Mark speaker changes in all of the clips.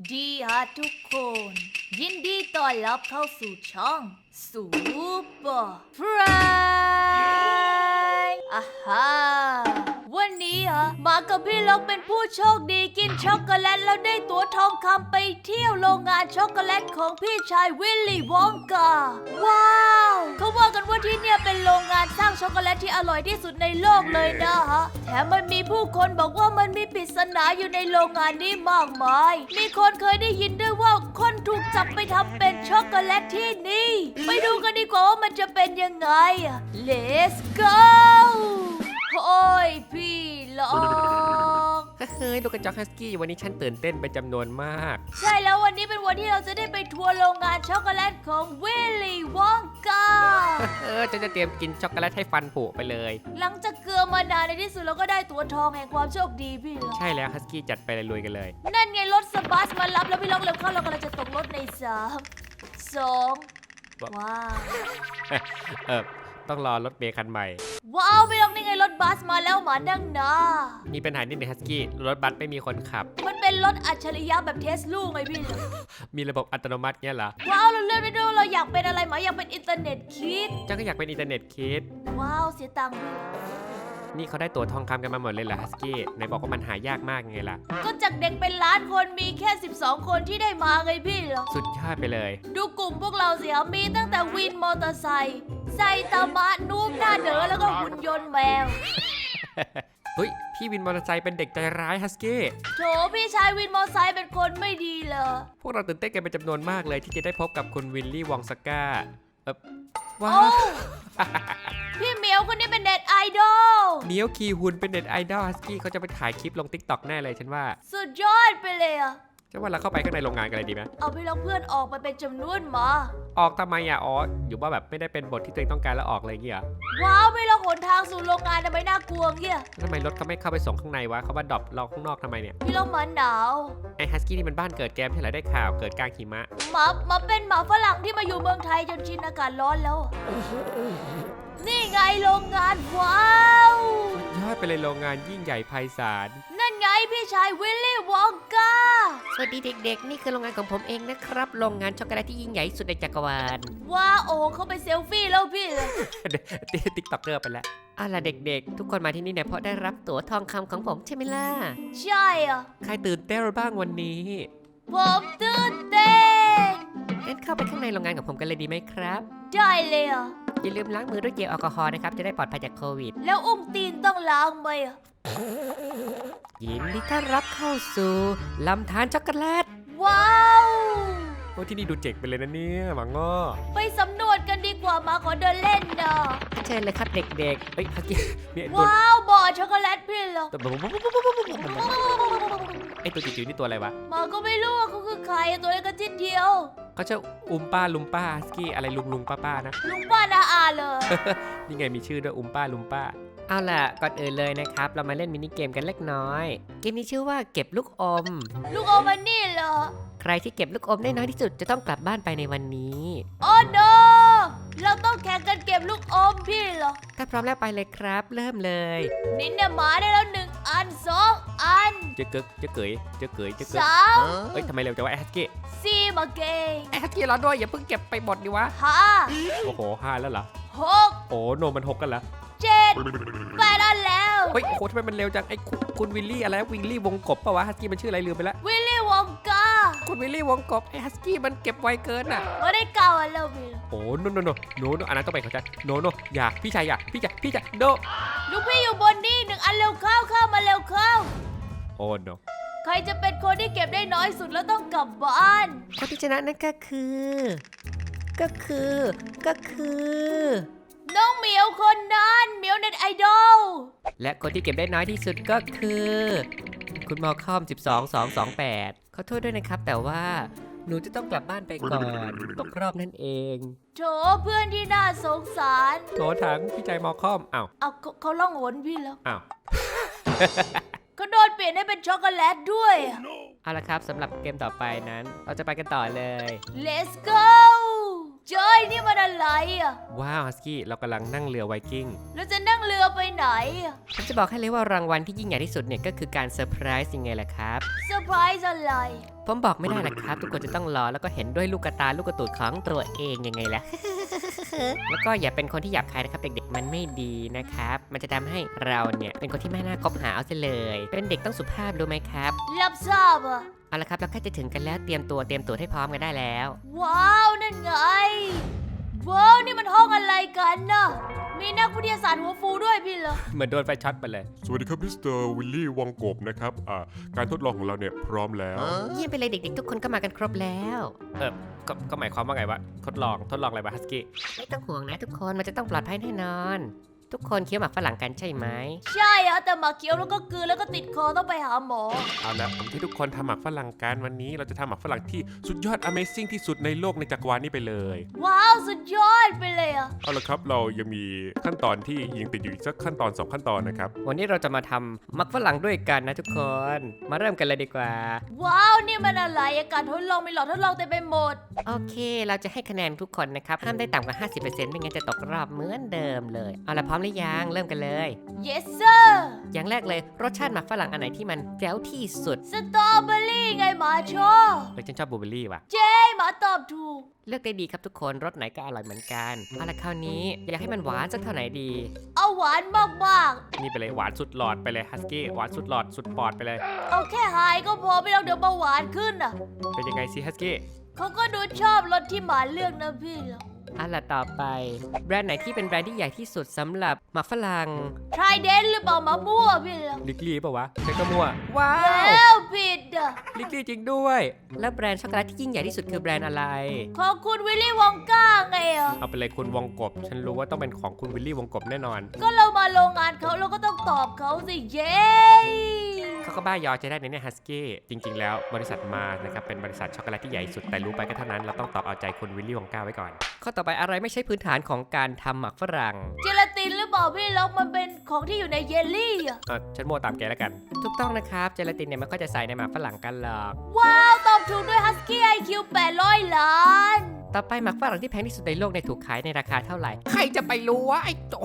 Speaker 1: ดีฮะทุกคน ยินดีต้อนรับเข้าสู่ช่องซูเปอร์ฟรายอ่าฮะวันนี้มากับพี่ล็อกเป็นผู้โชคดีกินช็อกโกแลตแล้วได้ตั๋วทองคำไปเที่ยวโรงงานช็อกโกแลตของพี่ชายวิลลี่วองกาว้าวเขาว่ากันว่าที่เนี่ยเป็นโรงงานสร้างช็อกโกแลตที่อร่อยที่สุดในโลกเลยนะฮะแถมมันมีผู้คนบอกว่ามันมีปริศนาอยู่ในโรงงานนี้มากมายมีคนเคยได้ยินด้วยว่าคนถูกจับไปทำเป็นช็อกโกแลตที่นี่ไปดูกันดีกว่าว่ามันจะเป็นยังไง Let's go โอ้ยพี่ล็อก
Speaker 2: เฮ้ยลูกกระจอกฮัสกี้วันนี้ฉันตื่นเต้นเป็นจำนวนมาก
Speaker 1: ใช่แล้ววันนี้เป็นวันที่เราจะได้ไปทัวร์โรงงานช็อกโกแลตของวิลลี่วองกา
Speaker 2: ฉันจะเตรียมกินช็อกโกแลตให้ฟันผุไปเลย
Speaker 1: หลังจากเกลือมานานในที่สุดเราก็ได้ตั๋วทองแห่งความโชคดีพี่ล็อก
Speaker 2: ใช่แล้วฮัสกี้จัดไปเลยลุยกันเลย
Speaker 1: นั่นไงรถสบัสมารับแล้วพี่ล็อกเร็วเข้าเรากำลังจะตกรถใน3 2ว้าว
Speaker 2: ต้องรอรถเมล์คันใหม่
Speaker 1: ว้าวพี่ล็อกนี่ไงรถบัสมาแล้วหมานั่งนะ
Speaker 2: มีปัญหานิดหนึงฮัสกี้รถบัสไม่มีคนขับ
Speaker 1: มันเป็นรถอัจฉริยะแบบเทสลูไงพี่ล็อก
Speaker 2: มีระบบอัตโนมัติเงี้ยเหรอ
Speaker 1: ว้าวเราเลือกได้ด้วยเราอยากเป็นอะไรหมาอยากเป็นอินเทอร์เน็ตคิด
Speaker 2: เจ้าก็อยากเป็นอินเทอร์เน็ตคิด
Speaker 1: ว้าวเสียตังค์ด้วย
Speaker 2: นี่เขาได้ตั๋วทองคำกันมาหมดเลยเหรอฮัสกี้ไหนบอกว่ามันหายากมากไงล่ะ
Speaker 1: ก็จากเด็กเป็นล้านคนมีแค่12 คนที่ได้มาไงพี่เหรอ
Speaker 2: สุดยอดไปเลย
Speaker 1: ดูกลุ่มพวกเราสิครับมีตั้งแต่วินมอเตอร์ไซค์ไซตามะนูบหน้าเด๋อแล้วก็หุ่นยนต์แมว
Speaker 2: เฮ้ยพี่วินมอเตอร์ไซค์เป็นเด็กใจร้ายฮัสกี้
Speaker 1: โถพี่ชายวินมอเตอร์ไซค์เป็นคนไม่ดีเหรอ
Speaker 2: พวกเราตื่นเต้นกันเป็นจำนวนมากเลยที่จะได้พบกับคุณวิลลี่วองสก้าว้า
Speaker 1: โอ้
Speaker 2: ว
Speaker 1: พี่เหมียวคนนี้เป็นเน็ตไอดอล
Speaker 2: เมียวคีฮุนเป็นเน็ตไอดอลฮัสกี้เขาจะไปถ่ายคลิปลงติ๊กต็อกแน่เลยฉันว่า
Speaker 1: สุดยอดไปเลยอะ
Speaker 2: ฉันว่าเราเข้าไปข้างในโรงงานกันเลยดีไหม
Speaker 1: เอาพี่ล็อกเพื่อนออกไปเป็นจำนวนมา
Speaker 2: ออกทำไมอ่ะอ๋ออยู่ว่าแบบไม่ได้เป็นบทที่ตัวเองต้องการแล้วออกเลยเงี้ย
Speaker 1: ว้าวพี่ล็อกหนทางสู่โรงงานทำไมน่ากลัวเงี้ย
Speaker 2: ทำไมรถเขาไม่เข้าไปส่งข้างในวะเขาว่าดรอปเราข้างนอกทำไมเนี่ย
Speaker 1: พี่ล็อกหมาหนาว
Speaker 2: ไอฮัสกี้นี่มันบ้านเกิดแกมที่ไหนได้ข่าวเกิดกลางหิมะ
Speaker 1: หมาเป็นหมาฝรั่งที่มาอยู่เมืองไทยจนชินอากาศร้อนแล้วอะนี่ไงโรงงานว้าว
Speaker 2: ยอดไปเลยโรงงานยิ่งใหญ่ไพศาล
Speaker 1: นั่นไงพี่ชายวิลลี่วองกา
Speaker 2: สวัสดีเด็กๆนี่คือโรงงานของผมเองนะครับโรงงานช็อกโกแลตที่ยิ่งใหญ่สุดในจักรวาล
Speaker 1: ว้าโอ้เขาไปเซลฟี่แล้วพี่
Speaker 2: ติ๊กต็อกเกอร์ไปแล้วเอาล่ะเด็กๆ ทุกคนมาที่นี่เนี่ยเพราะได้รับตั๋วทองคำของผมใช่ไหมล่ะ
Speaker 1: ใช่อ่ะ
Speaker 2: ใครตื่นเต้นบ้างวันนี้
Speaker 1: ผมตื่นเต้น
Speaker 2: งั้นเข้าไปข้างในโรงงานของผมกันเลยดีไหมครับ
Speaker 1: ได้เลยอ่ะ
Speaker 2: อย่าลืมล้างมือด้วยเจลแอลกอฮอล์นะครับจะได้ปลอดภัยจากโควิด
Speaker 1: แล้วอุ้งตีนต้องล้างไหมอ่ะ
Speaker 2: ยินดีต้อนรับเข้าสู่ลำธารช็อกโกแลต
Speaker 1: ว้าว
Speaker 2: โอ้ที่นี่ดูเจ๋งไปเลยนะเนี่ยหมาง้อ
Speaker 1: ไปสำรวจกันดีกว่ามาขอเดินเล่นนะ
Speaker 2: เชิญเลยครับเด็กๆเฮ้ยฮักกี้มีไอ้ตัว
Speaker 1: ว้าวบ่อช็อกโกแลตพี่เหรอ
Speaker 2: ไอตัวจิ๋วๆนี่ตัวอะไรวะ
Speaker 1: มาก็ไม่รู้ว่าเขาคือใครอะตัวเล็กกระจิดเดียว
Speaker 2: เขาจะอุมป้าลุมป้าฮัสกี้อะไรลุงป้านะ
Speaker 1: ลุงป้านาอาเลย
Speaker 2: นี่ไงมีชื่อด้วยอุมป้าลุมป้า เอาล่ะก่อนอื่นเลยนะครับ เรามาเล่นมินิเกมกันเล็กน้อย เกมนี้ชื่อว่าเก็บลูกอม
Speaker 1: ลูกอมมันนี่เหรอ
Speaker 2: ใครที่เก็บลูกอมได้น้อยที่สุดจะต้องกลับบ้านไปในวันนี้
Speaker 1: โอ้โนเราต้องแข่งกันเก็บลูกอมพี่เหรอ
Speaker 2: ถ้าพร้อมแล้วไปเลยครับ เริ่มเลย
Speaker 1: นินเนี่ยหมาได้แล้ว1 อัน 2 อัน
Speaker 2: เจ๊กึกเจ๊เกยเจ๊เกยเจ๊กึก
Speaker 1: 3
Speaker 2: เฮ้ยทำไมเร็วจังวะไอ้ฮัสกี้
Speaker 1: 4มาเก่ง
Speaker 2: ไอ้ฮัสกี้รอด้วยอย่าเพิ่งเก็บไปหมดดิวะ
Speaker 1: 5
Speaker 2: โอ้โห5แล้วเหรอ
Speaker 1: 6
Speaker 2: โอ้โนมัน6กันแล้ว
Speaker 1: 7 8 อันแล้ว
Speaker 2: เฮ้ยโอ้โหทำไมมันเร็วจังไอ้คุณวิลลี่อะไรวิลลี่วงกบปะวะฮัสกี้มันชื่ออะไรลืมไปแล้ว
Speaker 1: วิลลี่วองกา
Speaker 2: คุณวิลลี่วงกบไอ้ฮัสกี้มันเก็บไวเกินอ่ะ
Speaker 1: เราได้9 อันแล้วพี่
Speaker 2: โอ้โนอันนั้นต้องไปเข้าใจโนอย่าพี่ชายอย่าพี่ชายโน
Speaker 1: ลูกพี่อยู่บนนี่1 อันเร็วเข้ามาเร็วเข้า
Speaker 2: โอ้โน
Speaker 1: ใครจะเป็นคนที่เก็บได้น้อยสุดแล้วต้องกลับบ้าน
Speaker 2: คนที่ชนะนั่นก็คือ
Speaker 1: น้องเหมียวคนนั้นเหมียวเน็ตไอดอล
Speaker 2: และคนที่เก็บได้น้อยที่สุดก็คือ คุณมอคอม12228ขอโทษด้วยนะครับ แต่ว่าหนูจะต้องกลับบ้านไปก่อนตกรอบนั่นเอง
Speaker 1: โถเพื่อนที่น่าสงสาร
Speaker 2: โถถังพี่ใจมอคอมอ้าว
Speaker 1: เอาเขาล่องหนพี่แล้ว
Speaker 2: อ้าว
Speaker 1: เขาโดนเปลี่ยนให้เป็นช็อกโกแลตด้วยอะ
Speaker 2: เอาละครับสำหรับเกมต่อไปนั้น เราจะไปกันต่อเลย
Speaker 1: Let's go เจ้ยนี่มันอะไรอ่ะ
Speaker 2: ว้าวฮัสกี้เรากำลังนั่งเรือไวกิ้ง
Speaker 1: แล้วจะนั่งเรือไปไหนอ่ะ
Speaker 2: ผมจะบอกให้เลยว่ารางวัลที่ยิ่งใหญ่ที่สุดเนี่ยก็คือการเซอร์ไพรส์ยังไงล่ะครับ
Speaker 1: เซอร์ไพรส์อะไร
Speaker 2: ผมบอกไม่ได้หรอกครับ ทุกคนจะต้องรอแล้วก็เห็นด้วยลูกกระตาลูกกระตูดของตัวเองยังไงล่ะ แล้วก็อย่าเป็นคนที่หยาบคายนะครับเด็กๆมันไม่ดีนะครับมันจะทำให้เราเนี่ยเป็นคนที่ไม่น่าคบหาเอาซะเลย เป็นเด็กต้องสุภาพรู้ไหมครับ
Speaker 1: รับทราบอ่ะ
Speaker 2: เอาละครับเราใกล้จะถึงกันแล้วเตรียมตัวให้พร้อมกันได้แล้ว
Speaker 1: ว้าวนั่นไง ว้าวนี่มันห้องอะไรกันน่ะ มีนักวิทยาศาสตร์หัวฟูด้วยพี่เหรอ
Speaker 2: เหมือนโดนไฟช็อตไปเลย
Speaker 3: สวัสดีครับมิสเตอร์วิลลี่วังกบนะครับการทดลองของเราเนี่ยพร้อมแล้ว
Speaker 2: เยี่ยมไปเลยเด็กๆ ทุกคนก็มากันครบแล้วก็หมายความว่าไงวะทดลองอะไรวะฮัสกี้ไม่ต้องห่วงนะทุกคนมันจะต้องปลอดภัยแน่นอน ทุกคนเคี้ยวหมากฝรั่งกันใช่ไหม
Speaker 1: ใช่อะแต่หมาเคี้ยวแล้วก็กลืนแล้วก็ติดคอต้องไปหาหมอ
Speaker 3: เอาละผมที่ทุกคนทำหมักฝรั่งกันวันนี้เราจะทำหมักฝรั่งที่สุดยอด Amazing ที่สุดในโลกในจักรวาลนี้ไปเลย
Speaker 1: ว้าวสุดยอดไปเลยอะ
Speaker 3: เอาละครับเรายังมีขั้นตอนที่ยังติดอยู่อีกสักขั้นตอน2ขั้นตอนนะครับ
Speaker 2: วันนี้เราจะมาทำหมักฝรั่งด้วยกันนะทุกคนมาเริ่มกันเลยดีกว่า
Speaker 1: ว้าวนี่มันอะไรอะการทดลองมีหลอดทดลองเต็มไปหมด
Speaker 2: โอเคเราจะให้คะแนนทุกคนนะครับห้ามได้ต่ำกว่า 50% ไม่งั้นจะตกรอบเหมือนเดิมเลยเอาละพร้อมหรือยังเริ่มกันเลย
Speaker 1: yes sir
Speaker 2: อย่างแรกเลยรสชาติหมักฝรั่งอันไหนที่มันแจ๋วที่สุด
Speaker 1: สตรอเบอรี่ไงหมาชอบ
Speaker 2: เลยฉันชอบบลูเบอร์รี่ว่ะ
Speaker 1: เจ๊หมาตอบถูก
Speaker 2: เลือกได้ดีครับทุกคนรสไหนก็อร่อยเหมือนกันเอาละคราวนี้อยากให้มันหวานสักเท่าไหนดี
Speaker 1: เอาหวานมาก
Speaker 2: นี่ไปเลยหวานสุดหลอดไปเลยฮัสกี้หวานสุดหลอดสุดปอดไปเลย
Speaker 1: ๆ เอาแค่หายก็พอไม่ต้องเดี๋ยวเบาหวานขึ้นอะ
Speaker 2: เป็นยังไงสิฮัสกี้
Speaker 1: เขาก็ดูชอบรสที่หมาเลือกนะพี่เหรอ
Speaker 2: เอาละต่อไปแบรนด์ไหนที่เป็นแบรนด์ที่ใหญ่ที่สุดสำหรับหมักฝรั่ง
Speaker 1: ทรายเดนหรือเปล่าหมามั่วพี่เหรอ
Speaker 2: ลิกลี่ป่าวะใช่ก็มั่วว้าว
Speaker 1: แล้วผิดอะ
Speaker 2: ลิกลี่จริงด้วย แล้วแบรนด์ช็อกโกแลตที่ยิ่งใหญ่ที่สุดคือแบรนด์อะไร
Speaker 1: ของคุณวิลลี่วองก้าไงอะ
Speaker 2: เอาไปเลยคุณวงกบฉันรู้ว่าต้องเป็นของคุณวิลลี่วงกบแน่นอน
Speaker 1: ก็เรามาโรงงานเขาเราก็ต้องตอบเขาสิเย้
Speaker 2: เขาก็บ้ายอจะได้ในเนี่ยฮัสกี้จริงๆ แล้วบริษัทมานะครับเป็นบริษัทช็อกโกแลตที่ใหญ่สุดแต่รู้ไปก็เท่านั้นเราต้องตอบเอาใจคุณวิลลี่วองก้าไว้ก่อนข้อต่อไปอะไรไม่ใช่พื้นฐานของการทำหมักฝรั่ง
Speaker 1: เจลาตินหรือเปล่าพี่ล็อกมันเป็นของที่อยู่ในเยลลี่อะ
Speaker 2: ฉันโม่ตามแกแล้วกันถูกต้องนะครับเจลาตินเนี่ยมันก็จะใส่ในหมักฝรั่งกันหรอก
Speaker 1: ว้าวตอบถูกด้วยฮัสกี้ไอคิว800 ล้าน
Speaker 2: ต่อไปหมักฝรั่งที่แพงที่สุดในโลกในยถูกขายในราคาเท่าไหร่ใครจะไปรู้วะไอ้โจ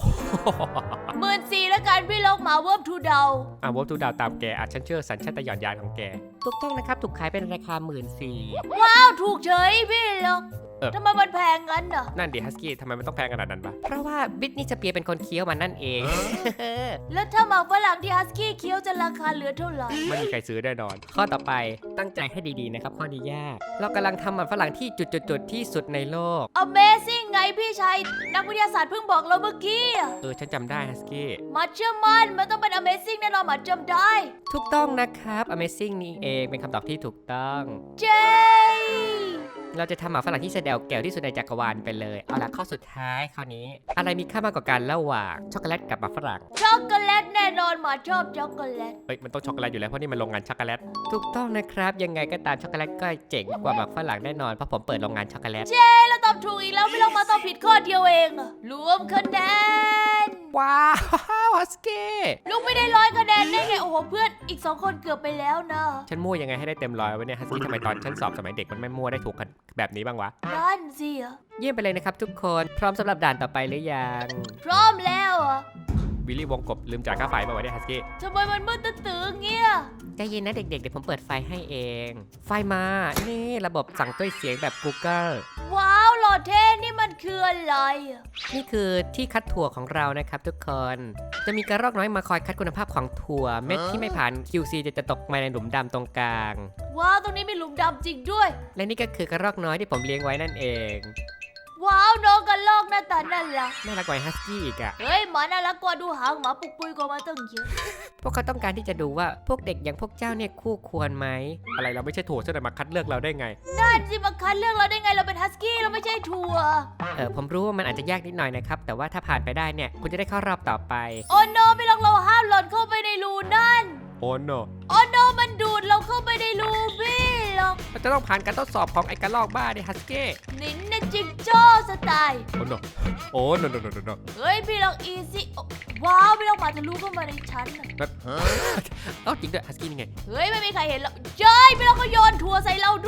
Speaker 1: 14,000แล้วกันพี่ล็อกหมาเวิร์บทูเดา
Speaker 2: วอลทูดาวตามแกฉันเชื่อสัญชาตญาณของแกถูกต้องนะครับถูกขายเป็นราคา14,000
Speaker 1: ว้าวถูกเฉยพี่ล็อก
Speaker 2: เออ
Speaker 1: ทำไมมันแพงงั้นอะ
Speaker 2: นั่นดิฮัสกี้ทำไมมันต้องแพงขนาดนั้นปะเพราะว่าบิทนี่สเปียร์เป็นคนเคี้ยวมันนั่นเอง
Speaker 1: แล้วถ้าหมาฝรั่งที่ฮัสกี้เคี้ยวจะราคาเหลือเท่าไหร่
Speaker 2: ไม่มีใครซื้อแน่นอน ข้อต่อไปตั้งใจให้ดีๆนะครับข้อนี้ยาก เรากำลังทำมันฝรั่งที่จุดๆที่สุดในโลก
Speaker 1: Amazing ไงพี่ชายนักวิทยาศาสตร์เพิ่งบอกเราเมื่อกี้อะ
Speaker 2: ฉันจำได้ฮัสกี้
Speaker 1: หมาเชื่อมั่นมันต้องเป็น Amazing แน่นอนหมาจำได้
Speaker 2: ถูกต้องนะครับ Amazing นี่เองเป็นคำตอบที่ถูกต้อง
Speaker 1: เจ๊
Speaker 2: เราจะทำหมาฝรั่งที่แสดงแก้วที่สุดในจักรวาลไปเลย เอาละข้อสุดท้ายข้อนี้ อะไรมีค่ามากกว่ากันระหว่างช็อกโกแลตกับหมาฝรั่ง
Speaker 1: ช็อกโกแลตแน่นอนหมาชอบช็อกโกแลต
Speaker 2: มันต้องช็อกโกแลตอยู่แล้วเพราะนี่มันโรงงานช็อกโกแลต ถูกต้องนะครับยังไงก็ตามช็อกโกแลตก็เจ๋งกว่าหมาฝรั่งแน่นอนเพราะผมเปิดโรงงานช็อกโกแลต
Speaker 1: เราตอบถูกอีกแล้วไม่ต้องมาตอบผิดข้อเดียวเองอะรวมคะแนน
Speaker 2: ว้าวฮัสกี้
Speaker 1: ลูกไม่ได้100 คะแนนได้ไงโอ้โหเพื่อนอีก2 คนเกือบไปแล้วนะ
Speaker 2: ฉันมั่วยังไงให้ได้เต็มร้อยวะเนี่ยฮัสกี้ทำไมตอนฉันสอบสมัยเด็กมันไม่มั่วได้ถูกกันแบบนี้บ้างวะ
Speaker 1: นั่นสิอะ
Speaker 2: เยี่ยมไปเลยนะครับทุกคนพร้อมสำหรับด่านต่อไปหรือยัง
Speaker 1: พร้อมแล้วอะ
Speaker 2: วิลลี่วงกบลืมจ่ายค่าไฟมาวะเนี่ยฮัสกี้
Speaker 1: ทำไมมันมืดตื้อๆเงี้ย
Speaker 2: ใจเย็นนะเด็กๆเดี๋ยวผมเปิดไฟให้เอง ไฟมานี่ระบบสั่งด้วยเสียงแบบ Google
Speaker 1: ว้าวหล่อเท่นี่มันคืออะไรอะ
Speaker 2: นี่คือที่คัดถั่วของเรานะครับทุกคน จะมีกระรอกน้อยมาคอยคัดคุณภาพของถั่วเม็ดที่ไม่ผ่าน QC จะตกมาในหลุมดำตรงกลาง
Speaker 1: ว้าวตรงนี้มีหลุมดำจริงด้วย
Speaker 2: และนี่ก็คือกระรอกน้อยที่ผมเลี้ยงไว้นั่นเอง
Speaker 1: ว้าวน้องกันลอกหน้าตาน่ารัก
Speaker 2: น่ารักกว่าฮัสกี้อีกอะ
Speaker 1: เฮ้ยหมาน่ารักกว่าดูหางหมาปุกปุยกว่ามาตั้งเยอะ
Speaker 2: พวกเขาต้องการที่จะดูว่าพวกเด็กอย่างพวกเจ้าเนี่ยคู่ควรไหมอะไรเราไม่ใช่ถั่วจะมาคัดเลือกเราได้ไง
Speaker 1: นั่นสิมาคัดเลือกเราได้ไงเราเป็นฮัสกี้เราไม่ใช่ทัวร์
Speaker 2: ผมรู้ว่ามันอาจจะยากนิดหน่อยนะครับแต่ว่าถ้าผ่านไปได้เนี่ยคุณจะได้เข้ารอบต่อไป
Speaker 1: โอ้โนไม่ลองเราห้ามหล่นเข้าไปในรูนั่น
Speaker 2: โอ้โน
Speaker 1: โอ้โนมันดูดเราเข้าไปในรูพี่หรอก
Speaker 2: มันจะต้องผ่านการทดสอบของไอ้กระรอกบ้าเนี่ยฮัสกี้
Speaker 1: นินนะจิงโจ้สไตล์
Speaker 2: โอ้โนโอ้โนโนโนโน
Speaker 1: เฮ้ยพี่ลองอีซี่ว้าวพี่ลองหมาจะรู้เข้ามาในชั้นน่ะ
Speaker 2: เอ้าจริงด้วยฮัสกี้นี่ไง
Speaker 1: เฮ้ยไม่มีใครเห็นหรอกเจ้ยพี่ลองก็โยนทัวร์ใส่เราด้วย
Speaker 2: แก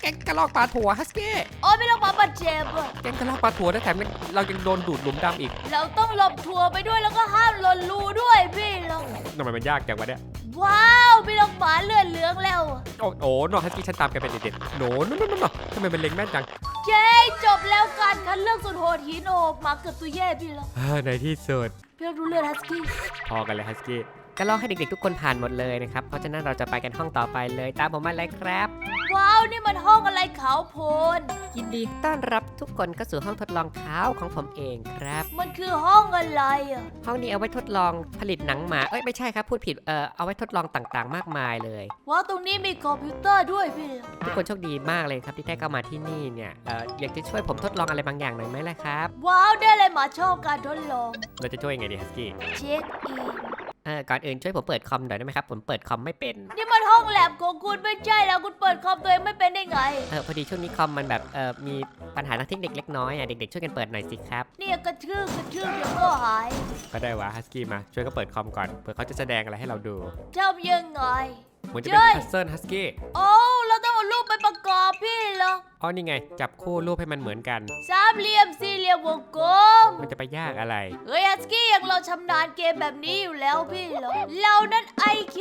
Speaker 2: ก๊งกระลอกปลาถั่วฮัสกี้
Speaker 1: โอ้ยพี่ลองมาบาดเจ็บอะ
Speaker 2: แก๊งกระลอกปลาถั่วแล้วแถมเรายังโดนดูดหลุมดำอีก
Speaker 1: เราต้องหลบถั่วไปด้วยแล้วก็ห้ามหล่นรูด้วยพี่ลอง
Speaker 2: ทำไมมันยากจังวะเนี่ย
Speaker 1: ว้าวพี่ลองหมาเลือดเหลืองแล้วอะ
Speaker 2: โอ้โนฮัสกี้ฉันตามแกเป็นเด็ดๆโนทำไมมันเล็งแม่นจัง
Speaker 1: เย้จบแล้วการคัดเลือกสุดโหดหินโอบหมาเกือบตัวแย่พี่ลอง
Speaker 2: ในที่สุด
Speaker 1: พี่ลองดูเลือดฮัสกี้
Speaker 2: พอกันเลยฮัสกี้ก็ลองให้เด็กๆทุกคนผ่านหมดเลยนะครับ เพราะฉะนั้นเราจะไปกันห้องต่อไปเลยตามผมมาเลยครับ
Speaker 1: ว้าวนี่มันห้องอะไรขาวโพลน
Speaker 2: ยินดีต้อนรับทุกคนเข้าสู่ห้องทดลองเท้าของผมเองครับ
Speaker 1: มันคือห้องอะไรอ่ะ
Speaker 2: ห้องนี้เอาไว้ทดลองผลิตหนังหมาไม่ใช่ครับพูดผิดเอาไว้ทดลองต่างๆ มากมายเลย
Speaker 1: ว้าวตรงนี้มีคอมพิวเตอร์ด้วยพี่ลอง
Speaker 2: ทุกคนโชคดีมากเลยครับที่ได้เข้ามาที่นี่เนี่ยอยากจะช่วยผมทดลองอะไรบางอย่างหน่อยไหมล่ะครับ
Speaker 1: ว้าวได้เลยหมาชอบการทดลอง
Speaker 2: เราจะช่วยยังไงดีฮัสกี้
Speaker 1: เช็คอิน
Speaker 2: ก่อนอื่นช่วยผมเปิดคอมหน่อยได้ไหมครับผมเปิดคอมไม่เป็น
Speaker 1: นี่มันห้องแลบของคุณไม่ใช่แล้วคุณเปิดคอมตัวเองไม่เป็นได้ไง
Speaker 2: พอดีช่วงนี้คอมมันแบบมีปัญหาทางเทคนิคเล็กน้อยเด็กๆช่วยกันเปิดหน่อยสิครับ
Speaker 1: เนี่ยกระทืบเดี๋ยวก็หาย
Speaker 2: ก็ได้วะฮัสกี้มาช่วยก็เปิดคอมก่อนเผื่อเขาจะแสดงอะไรให้เราดู
Speaker 1: ทำยังไง
Speaker 2: เหมือนจะเป็นพัซเซิลฮัสกี้
Speaker 1: โอ้เราต้องเอารูปไปประกอบพี่เหรอ
Speaker 2: อ๋อนี่ไงจับคู่รูปให้มันเหมือนกัน
Speaker 1: สามเหลี่ยมสี่เหลี่ยมวงกลม
Speaker 2: มันจะไปยากอะไร
Speaker 1: เฮ้ยฮัสกี้อย่างเราชำนาญเกมแบบนี้อยู่แล้วพี่เหรอเรานั้น IQ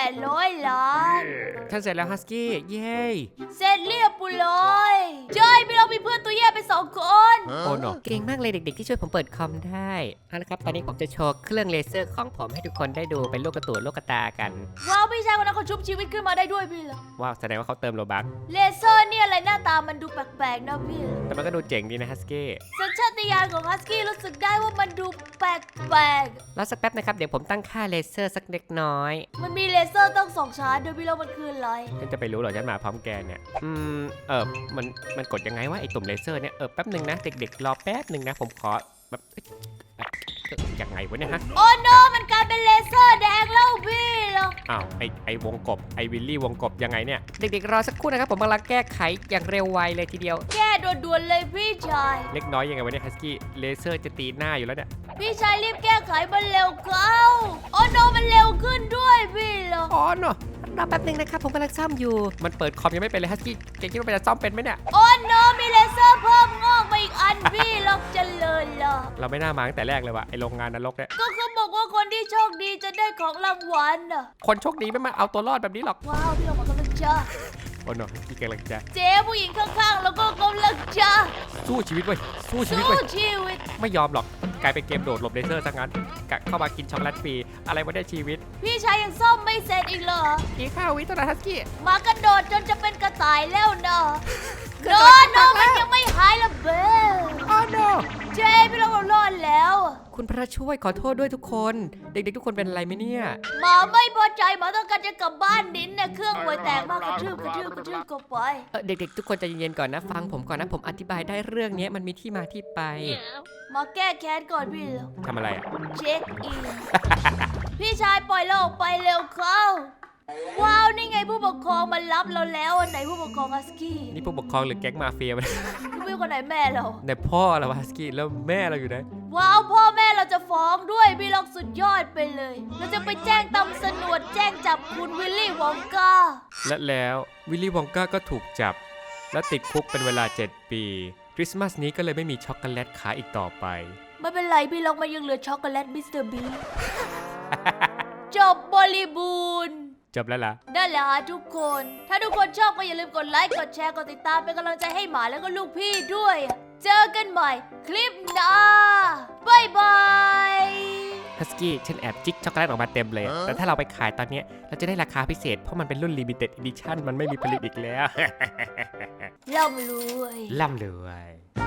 Speaker 1: 800 ล้าน
Speaker 2: ฉันเสร็จแล้วฮัสกี้เย้
Speaker 1: เสร็จเรียบร้อยใช่พี่เรามีเพื่อนตัวแย่ไป2 คน
Speaker 2: โอ้โนเก่งมากเลยเด็กๆที่ช่วยผมเปิดคอมได้เอาละครับตอนนี้ผมจะโชว์เครื่องเลเซอร์ของผมให้ทุกคนได้ดูเป็นลูกกระตูนลูกกระตากัน
Speaker 1: ว้าวพี่ชายคนนั้นเขาชุบชีวิตขึ้นมาได้ด้วยพี่เหรอ
Speaker 2: ว้าวแสดงว่าเขาเติมโลบัค
Speaker 1: เลเซอร์นี่อะไรหน้าตามันดูแปลกๆนะพี่เหรอ
Speaker 2: แต่มันก็ดูเจ๋งดีนะฮัสกี้
Speaker 1: สัญชาตญาณของฮัสกี้รู้สึกได้ว่ามันดูแปลก
Speaker 2: แล้วสักแป๊บนะครับเดี๋ยวผมตั้งค่าเลเซอร์สักเล็กน้อย
Speaker 1: ๆมันมีเลเซอร์ต้อง2 ชาร์จด้วยพี่เรามันคืออะไร
Speaker 2: ฉันจะไปรู้เหรอฉันมาพร้อมแกเนี่ยมันกดยังไงวะไอตุ่มเลเซอร์เนี่ยแป๊บหนึ่งนะเด็กๆรอแป๊บหนึ่งนะผมขอแบบยังไงวะเนี่ยฮะ
Speaker 1: โอ้โนมันกลายเป็นเลเซอร์แดงแล้วพี่เหรอ
Speaker 2: อ้าวไอวงกบไอวิลลี่วงกบยังไงเนี่ยเด็กๆรอสักครู่นะครับผมกำลังแก้ไขอย่างเร็วไวเลยทีเดียว
Speaker 1: แก้ด่วนๆเลยพี่ชาย
Speaker 2: เล็กน้อยยังไงวะเนี่ยฮัสกี้เลเซอร์จะตีหน้าอยู่แล้วเนี่ย
Speaker 1: พี่ชายรีบแก้ไขมันเร็วเข้าโอ้โนมันเร็วขึ้นด้วยพี่เหรอ
Speaker 2: อ๋อเนาะรอแป๊บหนึ่งนะครับผมกำลังซ่อมอยู่มันเปิดคอมยังไม่เป็นเลยฮัสกี้แกคิดว่ามันจะซ่อมเป็นไหมเนี่ย
Speaker 1: โอ้โนมีเลเซอร์เพิ่มงอกมาอีกอันพี่เหรอเจริญเหรอ
Speaker 2: เราไม่น่ามาตั้งแต่แรกเลยว่ะไอโรงงานนรกเนี่ย
Speaker 1: ก็เขาบอกว่าคนที่โชคดีจะได้ของรางวัลน่ะ
Speaker 2: คนโชคดีไม่มาเอาตัวรอดแบบนี้หรอก
Speaker 1: ว้าวพี่เรากำลังจะ
Speaker 2: โอ้เนาะพี่กำลังจะ
Speaker 1: เจ๊ผู้หญิงข้างๆแล้วก็กำลังจะ
Speaker 2: สู้ชีวิตเว้ยสู้ชีวิต
Speaker 1: สู้
Speaker 2: เว้ย
Speaker 1: ชีวิต
Speaker 2: ไม่ยอมหรอกกลายเป็นเกมโดดหลบเลเซอร์ซะงั้นกะเข้ามากินช็อกโกแลตฟรีอะไรวะเนี่ยชีวิต
Speaker 1: พี่ชายยังซ่อมไม่เสร็จอีกเหรอ
Speaker 2: อีก5 วิเท่านั้นฮัสกี้
Speaker 1: หมากระโดดจนจะเป็นกระต่ายแล้วนะโนโนมันยังไม่หายละเบ้
Speaker 2: อ๋อโน
Speaker 1: เจ๊พี่เรารอดแล้ว
Speaker 2: คุณพระช่วยขอโทษด้วยทุกคนเด็กๆทุกคนเป็นอะไรไหมเนี่ย
Speaker 1: หมาไม่พอใจหมาต้องการจะกลับบ้านนินเนี่ยเครื่องห่วยแตกมากกระทืบก็ไป
Speaker 2: เด็กๆทุกคนใจเย็นๆก่อนนะฟังผมก่อนนะผมอธิบายได้เรื่องนี้มันมีที่มาที่ไป
Speaker 1: มาแก้แค้นก่อนพี่เหรอ
Speaker 2: ทำอะไรอ่ะ
Speaker 1: เช็คอิน พี่ชายปล่อยเราออกไปเร็วเข้า ว้าวนี่ไงผู้ปกครองมารับเราแล้วอันไหนผู้ปกครองฮัสกี้
Speaker 2: นี่ผู้ปกครองหรือแก๊งมาเฟียมัน
Speaker 1: พี่คนไหนแม่เรา
Speaker 2: ในพ่อเราฮัสกี้แล้วแม่เราอยู่ไหน
Speaker 1: ว้าวพ่อแม่เราจะฟ้องด้วยพี่ล็อกสุดยอดไปเลย เราจะไปแจ้งตำรวจแจ้งจับคุณวิลลี่วองกา
Speaker 2: และแล้ววิลลี่วองก้าก็ถูกจับ และติดคุกเป็นเวลา 7 ปีคริสต์มาสนี้ก็เลยไม่มีช็อกโกแลตขายอีกต่อไป
Speaker 1: ไม่เป็นไรพี่ล็อกมันยังเหลือช็อกโกแลตมิสเตอร์บีจบบริบูรณ์
Speaker 2: จบแล้วล่ะ
Speaker 1: นั่นแหละฮะทุกคน ถ้าทุกคนชอบก็อย่าลืมกดไลค์ กดแชร์ กดติดตามเป็นกำลังใจให้หมาแล้วก็ลูกพี่ด้วย เจอกันใหม่คลิปหน้าบายบาย
Speaker 2: ฮัสกี้ฉันแอบจิกช็อกโกแลตออกมาเต็มเลยแต่ถ้าเราไปขายตอนเนี้ยเราจะได้ราคาพิเศษเพราะมันเป็นรุ่น Limited Edition มันไม่มีผลิตอีกแล้ว
Speaker 1: ร่ำรวย
Speaker 2: ล่ำเลย